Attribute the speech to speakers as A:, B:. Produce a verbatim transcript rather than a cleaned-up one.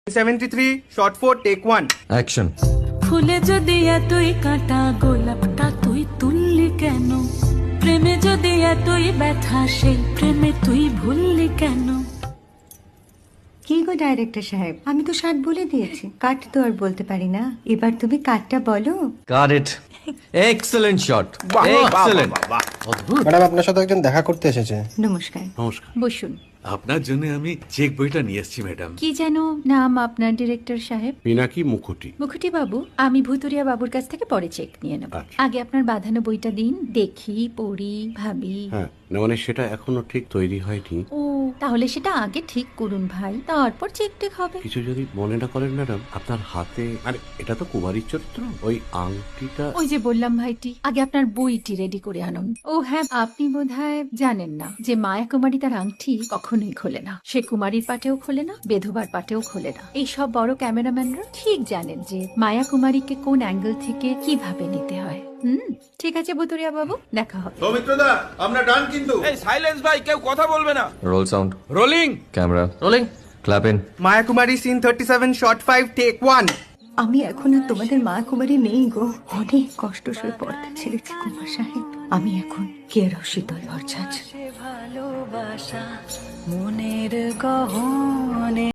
A: seventy-three, shot four, take one.
B: Action.
C: ফুলে যদি এতই কাঁটা গোলাপটা তুই তুললি কেন? প্রেমে যদি এতই ব্যথা সেই প্রেমে তুই ভুললি কেন?
D: কি গো ডাইরেক্টর সাহেব, আমি তো ষাট বলে দিয়েছি, কাট তো আর বলতে পারি না, এবার তুমি কাটটা বলো।
B: Got it. Excellent shot, excellent.
E: Madam আপনার সাথে একজন দেখা করতে এসেছে।
D: নমস্কার।
F: নমস্কার।
D: বসুন।
F: আপনার জন্য আমি চেক বইটা নিয়ে এসেছি ম্যাডাম।
D: কি যেন নাম আপনার ডিরেক্টর সাহেব?
F: পিনাকি মুখোটি।
D: মুখুটি বাবু, আমি ভুতুরিয়া বাবুর কাছ থেকে পরে চেক নিয়ে নেব।
F: আচ্ছা।
D: আগে আপনার বাঁধানো বইটা দিন, দেখি, পড়ি, ভাবি।
F: হ্যাঁ, না মানে সেটা এখনো ঠিক তৈরি হয়নি।
D: ও, তাহলে সেটা আগে ঠিক করুন ভাই, তারপর চেক টেক হবে।
F: কিছু যদি মনে না করেন ম্যাডাম, আপনার হাতে, আরে এটা তো কুমারীর চরিত্র, ওই আংটিটা।
D: ওই যে বললাম ভাইটি, আগে আপনার বইটি রেডি করে আনুন। ও হ্যাঁ, আপনি বোধহয় জানেন না যে মায়া কুমারী তার আংটি কখনোই খোলে না। সে কুমারীর পাটেও খোলে না, বেধবার পাটেও খোলে না। এই সব বড় ক্যামেরাম্যানরা ঠিক জানেন যে মায়া কুমারীকে কোন অ্যাঙ্গেল থেকে কিভাবে নিতে হয়। হুম, ঠিক আছে বুতুরিয়া বাবু, দেখা হবে।
G: সৌমিত্রদা, আমরা ডান কিন্তু।
H: এই সাইলেন্স ভাই, কেউ কথা বলবে না।
B: Roll sound,
H: rolling.
B: Camera rolling, clap in.
A: Maya Kumari, scene thirty-seven, shot five, take one.
D: আমি এখন আর তোমাদের মা কুমারী নেই গো, অনেক কষ্ট সয়ে পড়তে ছেড়েছি কুমার সাহেব। আমি এখন কেরো শীতল ভরছাছ।
C: ভালোবাসা মনের গহনে